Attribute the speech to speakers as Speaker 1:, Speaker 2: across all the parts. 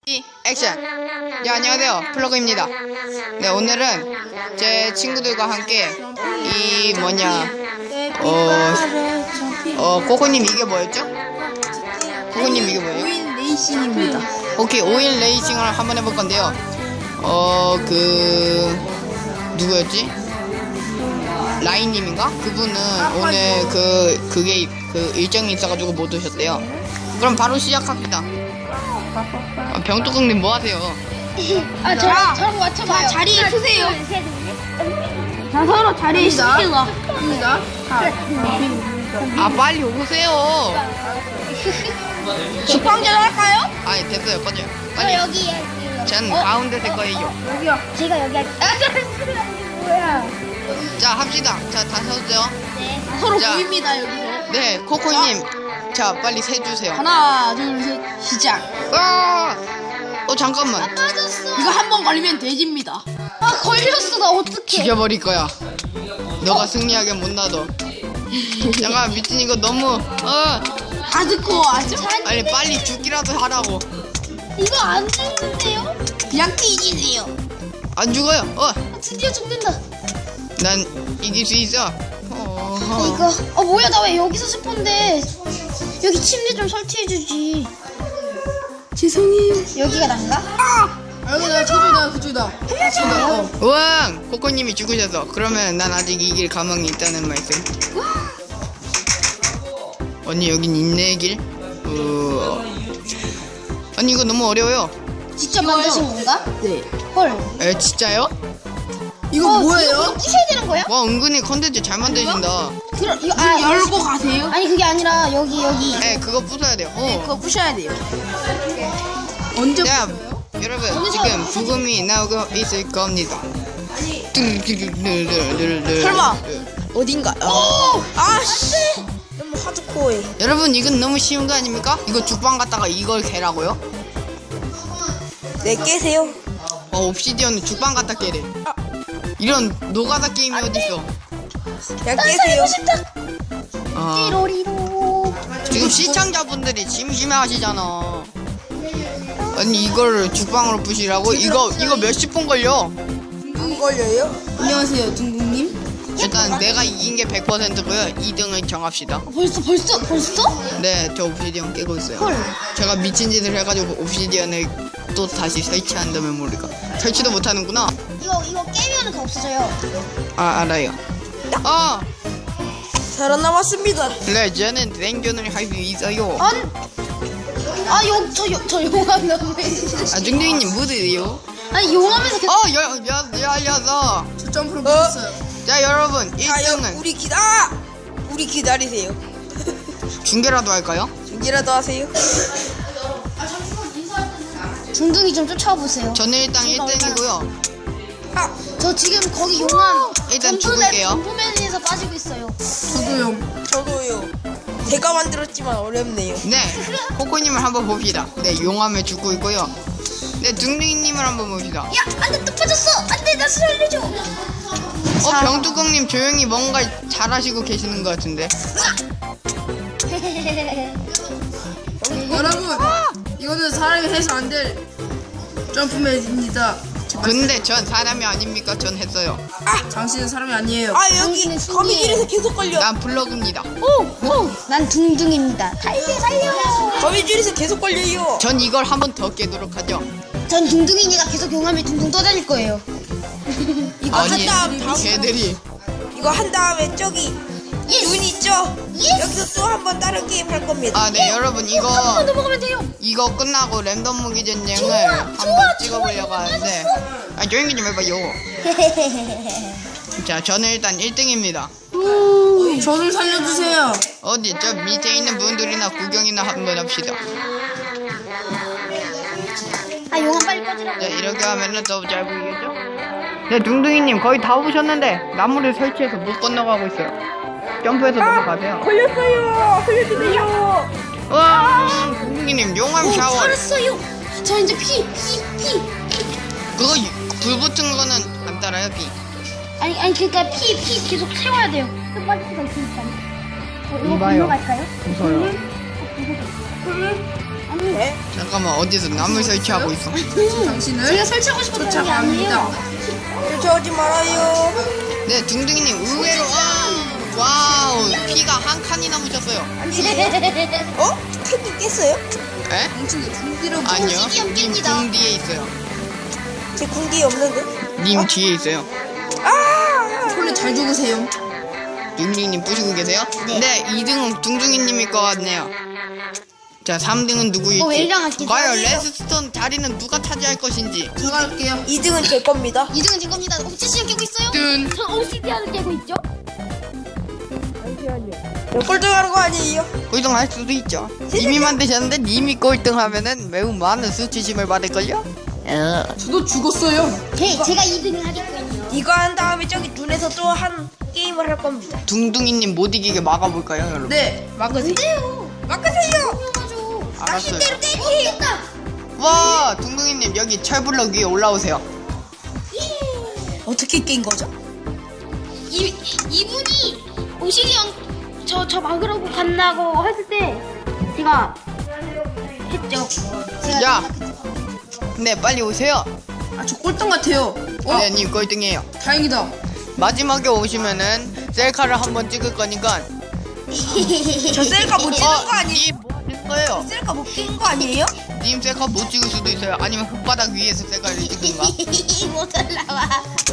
Speaker 1: 액션! 네, 안녕하세요. 플러그입니다. 네, 오늘은 제 친구들과 함께 코코님 이게 뭐였죠? 코코님 이게 뭐예요?
Speaker 2: 5인 레이싱입니다.
Speaker 1: 오케이, 5인 레이싱을 한번 해볼 건데요. 누구였지? 라인님인가? 그분은 오늘 그게 일정이 있어가지고 못 오셨대요. 그럼 바로 시작합니다. 병뚜껑님 뭐 하세요?
Speaker 2: 저랑 맞춰봐요. 자리에 서세요. 자, 서로 자리에 서세요. 갑니다.
Speaker 1: 아, 빨리 오세요.
Speaker 2: 식빵전 할까요?
Speaker 1: 아니, 됐어요. 꺼져요.
Speaker 3: 저
Speaker 1: 빨리.
Speaker 3: 여기
Speaker 1: 전 가운데 될 거예요.
Speaker 2: 여기요.
Speaker 3: 제가 여기 뭐야?
Speaker 1: 자, 합시다. 자, 다 서세요.
Speaker 3: 네.
Speaker 2: 서로
Speaker 1: 자.
Speaker 2: 보입니다, 여기서.
Speaker 1: 네, 코코님. 자, 빨리 세주세요.
Speaker 2: 하나, 둘, 셋, 시작.
Speaker 1: 아! 잠깐만.
Speaker 3: 빠졌어.
Speaker 2: 이거 한 번 걸리면 돼지입니다.
Speaker 3: 아 걸렸어. 나 어떡해?
Speaker 1: 죽여버릴 거야. 너가 승리하게 못 놔둬. 잠깐, 미친 이거 너무,
Speaker 2: 다 듣고 아죠?
Speaker 1: 아니, 빨리 죽기라도 하라고.
Speaker 3: 이거 안 죽는데요?
Speaker 2: 그냥 뒤지세요.
Speaker 1: 안 죽어요.
Speaker 3: 드디어 죽는다.
Speaker 1: 난 이길 수 있어.
Speaker 3: 이거 뭐야? 나 왜 여기서 스폰데? 여기 침대 좀 설치해주지.
Speaker 2: 죄송해요.
Speaker 3: 여기가 난가?
Speaker 2: 여기다, 저기다, 그쪽이다.
Speaker 1: 우왕! 코코님이 죽으셔서. 그러면 난 아직 이길 가망이 있다는 말씀. 언니, 여긴 인내의 길? 아니, 이거 너무 어려워요.
Speaker 3: 직접 만드신 건가?
Speaker 2: 네.
Speaker 3: 헐.
Speaker 1: 진짜요?
Speaker 2: 이거
Speaker 3: 이거
Speaker 2: 뭐예요?
Speaker 3: 부셔야 되는 거야?
Speaker 1: 와, 은근히 컨텐츠 잘 만드신다.
Speaker 3: 이거
Speaker 2: 문 열고 가세요?
Speaker 3: 아니 그게 아니라 여기.
Speaker 1: 그거 부숴야 돼요.
Speaker 2: 그거 부셔야 돼요. 언제
Speaker 1: 자,
Speaker 2: 부셔요?
Speaker 1: 여러분,
Speaker 3: 여기서
Speaker 1: 지금
Speaker 3: 부서지.
Speaker 1: 부금이 나오고 있을 겁니다.
Speaker 2: 설마 어딘가? 아씨. 너무 하드코어해.
Speaker 1: 여러분, 이건 너무 쉬운 거 아닙니까? 이거 죽방 갔다가 이걸 개라고요?
Speaker 2: 네, 깨세요.
Speaker 1: 옵시디언은 죽방 갔다 깨래. 이런 노가다 게임이 어딨어?
Speaker 2: 그냥
Speaker 3: 난 살고 싶다.
Speaker 1: 아,
Speaker 3: 띠로리로.
Speaker 1: 지금 시청자분들이 심심해하시잖아. 아니, 이거를 죽방으로 부시라고? 이거 몇십 분 걸려?
Speaker 2: 안 걸려요? 안녕하세요, 둥둥님.
Speaker 1: 일단 내가 이긴 게 100%고요. 2등을 정합시다.
Speaker 3: 벌써?
Speaker 1: 네, 저 옵시디언 깨고 있어요.
Speaker 3: 헐.
Speaker 1: 제가 미친 짓을 해가지고 옵시디언을 또 다시 설치한다면 모를까. 설치도 못하는구나.
Speaker 3: 이거 깨면은 더 없어져요.
Speaker 1: 알아요.
Speaker 2: 살아남았습니다.
Speaker 1: 그래, 저는 생존을 할 수 있어요.
Speaker 3: 저 용암 너무
Speaker 1: 중둥이님 뭐드세요?
Speaker 3: 아니 용암에서 계속
Speaker 1: 열려서.
Speaker 2: 저 점프를 못했어요.
Speaker 1: 자, 여러분, 1등은
Speaker 2: 우리 기다리세요.
Speaker 1: 중계라도 할까요?
Speaker 2: 중계라도 하세요.
Speaker 3: 중둥이 좀 쫓아보세요.
Speaker 1: 저는 일단 1등이고요.
Speaker 3: 저 지금 거기 용암
Speaker 1: 일단 죽을게요.
Speaker 3: 점프맨에서 빠지고 있어요.
Speaker 2: 저도요. 제가 만들었지만 어렵네요.
Speaker 1: 네, 코코님을 한번 봅시다. 네, 용암에 죽고 있고요. 네, 중둥이님을 한번 봅시다.
Speaker 3: 야, 안돼 또 빠졌어. 안돼 나 살려줘.
Speaker 1: 병뚜껑님 조용히 뭔가 잘하시고 계시는 것 같은데.
Speaker 2: 여러분, 이거는 사람이 해서 안 될 점프맨입니다.
Speaker 1: 근데 전 사람이 아닙니까? 전 했어요.
Speaker 2: 당신은 사람이 아니에요.
Speaker 3: 여기 거미줄에서
Speaker 2: 계속 걸려.
Speaker 1: 난 블럭입니다.
Speaker 3: 난 둥둥입니다. 살려.
Speaker 2: 거미줄에서 계속 걸려요.
Speaker 1: 전 이걸 한 번 더 깨도록 하죠.
Speaker 3: 전 둥둥이니가 계속 용암에 둥둥 떠다닐 거예요.
Speaker 2: 이거
Speaker 1: 아니,
Speaker 2: 한 다음
Speaker 1: 걔들이.
Speaker 2: 이거 한 다음에 저기 눈 있죠? 여기서 또 한 번 다른 게임 할 겁니다.
Speaker 1: 네, 여러분,
Speaker 3: 한번 넘어가면 돼요.
Speaker 1: 이거 끝나고 랜덤 무기 전쟁을
Speaker 3: 좋아,
Speaker 1: 한번
Speaker 3: 좋아,
Speaker 1: 찍어보려고 하는데. 조용히 좀 해봐요. 자, 저는 일단 1등입니다.
Speaker 2: 저를 살려주세요.
Speaker 1: 어디, 저 밑에 있는 분들이나 구경이나 한번 합시다.
Speaker 3: 용암 빨리 꺼지라고.
Speaker 1: 네, 이렇게 하면은 더 잘 보이겠죠? 네, 둥둥이님 거의 다 오셨는데 나무를 설치해서 못 건너가고 있어요. 점프해서 넘어가세요.
Speaker 2: 걸렸어요. 살려주세요.
Speaker 1: 와, 둥둥이님 용암 샤워.
Speaker 3: 살았어요. 저 이제 피.
Speaker 1: 그거 불 붙은 거는 안 따라요, 비.
Speaker 3: 아니 그러니까 피 계속 채워야 돼요. 또 빠질 수가 있으니까. 이거
Speaker 1: 이봐요.
Speaker 3: 건너갈까요?
Speaker 1: 무서워요.
Speaker 2: 네?
Speaker 1: 잠깐만, 어디서 나무 설치하고 있어?
Speaker 4: 당신을
Speaker 3: 제가 설치하고 싶었던 게
Speaker 4: 쫓아갑니다.
Speaker 3: 아니에요.
Speaker 2: 쫓아오지 말아요.
Speaker 1: 네, 둥둥이님 의외로 와우, 피가 한 칸이나 묻혔어요.
Speaker 2: 어? 캔디 깼어요?
Speaker 1: 에?
Speaker 4: 당신의 궁디를
Speaker 1: 아니요,
Speaker 3: 둥둥이
Speaker 1: 님
Speaker 3: 깹니다.
Speaker 1: 궁 뒤에 있어요.
Speaker 2: 제 궁디 없는데?
Speaker 1: 님 뒤에 있어요.
Speaker 2: 아!
Speaker 4: 원래 잘 죽으세요.
Speaker 1: 둥둥이님 부시고 계세요? 네, 2등은 둥둥이님일 것 같네요. 자, 3등은 누구일지.
Speaker 3: 왜 이상하지?
Speaker 1: 과연 레스스톤 자리는 누가 차지할 것인지.
Speaker 4: 제가 할게요.
Speaker 2: 2등은 제 겁니다.
Speaker 3: 2등은 제 겁니다. 옥지씨가 깨고 있어요?
Speaker 1: 뜬.
Speaker 3: 전 OCD를 깨고 있죠?
Speaker 2: 꼴등하는 거 아니에요?
Speaker 1: 꼴등할 수도 있죠. 님이 만드셨는데 님이 꼴등하면은 매우 많은 수치심을 받을걸요?
Speaker 4: 저도 죽었어요.
Speaker 3: 제가 2등을 하겠군요.
Speaker 2: 이거 한 다음에 저기 눈에서 또 한 게임을 할 겁니다.
Speaker 1: 둥둥이님 못 이기게 막아볼까요, 여러분?
Speaker 4: 네, 막으세요.
Speaker 2: 막으세요!
Speaker 1: 알았어요.
Speaker 3: 깼다!
Speaker 1: 와, 둥둥이님 여기 철블럭 위에 올라오세요.
Speaker 2: 어떻게 깬 거죠?
Speaker 3: 이분이 오시리언 저 막으라고 간다고 했을 때 제가 했죠.
Speaker 1: 야, 네 빨리 오세요.
Speaker 4: 아, 저 꼴등 같아요.
Speaker 1: 네, 님 꼴등이에요.
Speaker 4: 다행이다.
Speaker 1: 마지막에 오시면은 셀카를 한번 찍을 거니까.
Speaker 2: 저 셀카 못 찍은 거 아니에요?
Speaker 1: 님 뭐 하실 거예요?
Speaker 2: 셀카 못 찍은 거 아니에요?
Speaker 1: 님 셀카 못 찍을 수도 있어요. 아니면 흙바닥 위에서 셀카를 찍든가.
Speaker 3: 못 올라와.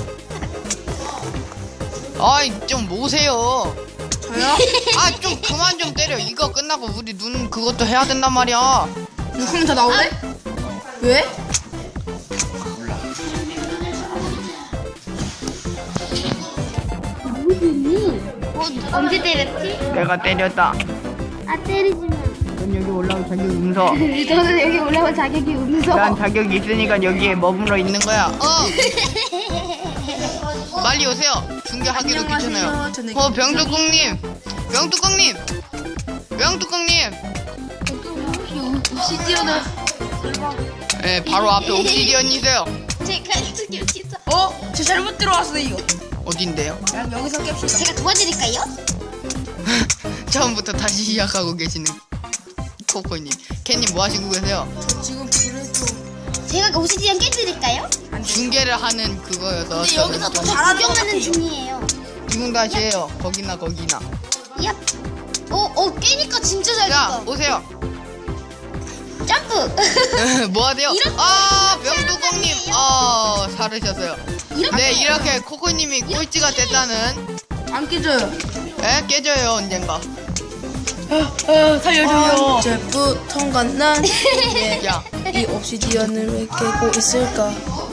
Speaker 1: 아이, 좀 모세요.
Speaker 4: 저요?
Speaker 1: 아, 좀 그만 좀 때려. 이거 끝나고 우리 눈 그것도 해야 된단 말이야.
Speaker 4: 그럼 다 나올래? 왜?
Speaker 3: 언제 때렸지?
Speaker 1: 내가 때렸다.
Speaker 3: 아 때리지 마.
Speaker 1: 넌 여기 올라올 자격이 없어.
Speaker 3: 저는 여기 올라온 자격이 없어.
Speaker 1: 난 자격이 있으니까 여기에 머물러 있는 거야. 빨리 오세요. 중계하기도
Speaker 4: 안녕하세요.
Speaker 1: 귀찮아요.
Speaker 4: 저는
Speaker 1: 병뚜껑님, 병뚜껑님, 병뚜껑님.
Speaker 4: 시디어는
Speaker 1: 네, 바로 앞에 옥시디언이세요.
Speaker 3: 제가 이렇게 진짜.
Speaker 4: 저 잘못 들어왔어요.
Speaker 1: 어딘데요?
Speaker 4: 그냥 여기서 깹시다.
Speaker 3: 제가 도와드릴까요?
Speaker 1: 처음부터 다시 시작하고 계시는 코코님. 캣님 뭐 하시고 계세요?
Speaker 4: 지금 불을 좀.
Speaker 3: 제가 오시디언 깨드릴까요?
Speaker 1: 중계를 하는 그거여서.
Speaker 4: 근데 여기서 더
Speaker 3: 저
Speaker 4: 잘하는 것
Speaker 3: 구경하는
Speaker 4: 같아요.
Speaker 3: 중이에요.
Speaker 1: 지금 다시 해요. 거기나 거기나.
Speaker 3: 얍. 깨니까 진짜 잘
Speaker 1: 자,
Speaker 3: 됐다.
Speaker 1: 오세요.
Speaker 3: 점프.
Speaker 1: 뭐 하세요?
Speaker 3: 이렇게
Speaker 1: 아,
Speaker 3: 하는
Speaker 1: 병뚜껑님.
Speaker 3: 거예요.
Speaker 1: 사르셨어요.
Speaker 3: 이렇게.
Speaker 1: 네, 이렇게 코코님이 꼴찌가 됐다는.
Speaker 4: 안 깨져요.
Speaker 1: 에? 깨져요, 언젠가.
Speaker 4: 살려줘요. 언제부턴가 난
Speaker 1: 야,
Speaker 4: 이 옵시디언을 왜 깨고 있을까?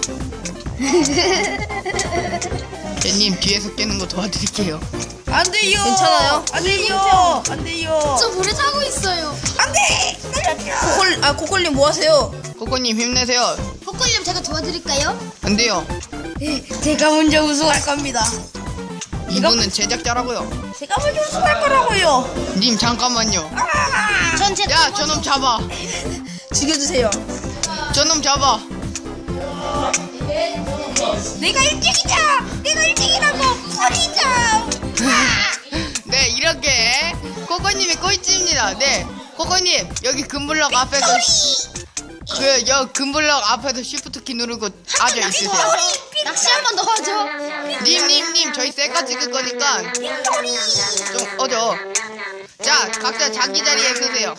Speaker 1: 님 뒤에서 깨는 거 도와드릴게요.
Speaker 2: 안 돼요!
Speaker 4: 괜찮아요?
Speaker 2: 안 돼요! 안 돼요!
Speaker 3: 저 물에 타고 있어요.
Speaker 2: 안 돼! 살려줘!
Speaker 4: 코콜님 뭐 하세요?
Speaker 1: 코코님 힘내세요.
Speaker 3: 코콜님 제가 도와드릴까요?
Speaker 1: 안 돼요.
Speaker 2: 제가 먼저 우승할 겁니다.
Speaker 1: 이분은 제작자라고요.
Speaker 2: 제가 먼저 우승할 거라고요.
Speaker 1: 님 잠깐만요.
Speaker 3: 전 제.
Speaker 1: 야, 저놈 잡아.
Speaker 4: 죽여주세요.
Speaker 1: 저놈 잡아.
Speaker 2: 내가 1등이다! 내가 1등이라고! 버리자!
Speaker 1: 네, 이렇게 코코님이 꼴찌입니다. 네, 코코님 여기 금블럭 앞에서 여 금블럭 앞에서 쉬프트 키 누르고 앉아 있으세요.
Speaker 3: 낚시 한 번 더 하죠.
Speaker 1: 님 저희 셀카 찍을 거니까 좀 어져. 자, 각자 자기 자리에 서세요.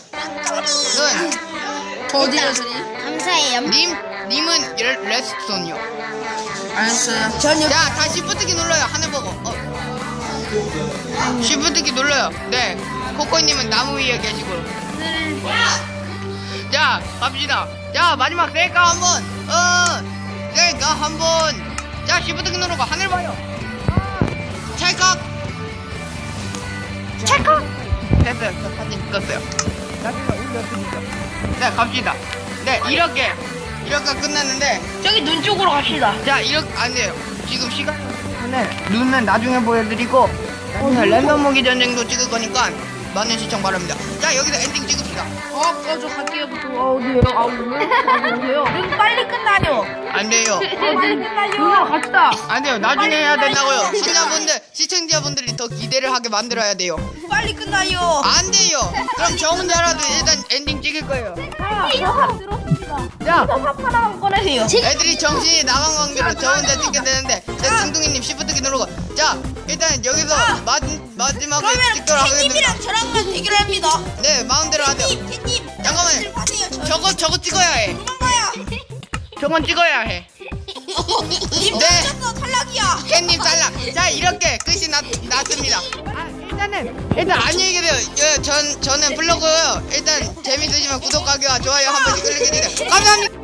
Speaker 4: 저 어디요?
Speaker 3: 감사해요.
Speaker 1: 님은 레스톤이요.
Speaker 4: 알았어요.
Speaker 1: 자, 다 쉬프트 키 눌러요. 하늘 보고. 쉬프트 키 눌러요. 네, 코코님은 나무 위에 계시고. 자, 갑시다. 자, 마지막 셀카 한번. 셀카 한번. 자, 쉬프트 키 누르고 하늘 봐요. 찰칵. 됐어요. 저 사진 찍었어요. 나중에 올렸으니까. 네, 갑시다. 네, 이렇게 끝났는데.
Speaker 2: 저기 눈 쪽으로 갑시다.
Speaker 1: 자, 이렇게 안 돼요. 지금 시간 눈은 나중에 보여드리고 나중에 랜덤 무기 전쟁도 찍을 거니까 많은 시청 바랍니다. 자, 여기서 엔딩 찍읍시다.
Speaker 4: 저 갈게요. 어디에요? 오세요.
Speaker 2: 빨리 끝나요.
Speaker 1: 안 돼요.
Speaker 2: 누나 갑시다.
Speaker 1: 안 돼요. 나중에 해야 된다고요. 시청자분들이 더 기대를 하게 만들어야 돼요.
Speaker 2: 빨리 끝나요.
Speaker 1: 안 돼요. 그럼 저 혼자라도 일단 엔딩 찍을 거예요. 자,
Speaker 2: 하나만 꺼내세요.
Speaker 1: 애들이 정신이 나간 관계로 저 혼자 찍게 되는데 제 중둥이님 시프트키 누르고 자 일단 여기서 마지막에
Speaker 2: 그러면
Speaker 1: 찍도록 하겠습니다.
Speaker 2: 팬님이랑 저랑만 대결합니다.
Speaker 1: 네 마음대로 하세요.
Speaker 2: 팬님.
Speaker 1: 잠깐만요.
Speaker 2: 하세요.
Speaker 1: 저거 찍어야 해.
Speaker 2: 도망가야.
Speaker 1: 저건 찍어야 해.
Speaker 2: 님
Speaker 1: 네.
Speaker 2: 쳤어 탈락이야.
Speaker 1: 깻잎 탈락. 자 이렇게 끝이 났습니다. 일단 안녕히 계세요. 저는 블로그요. 일단 재밌으시면 구독하기와 좋아요 한 번씩 클릭해주세요. 감사합니다.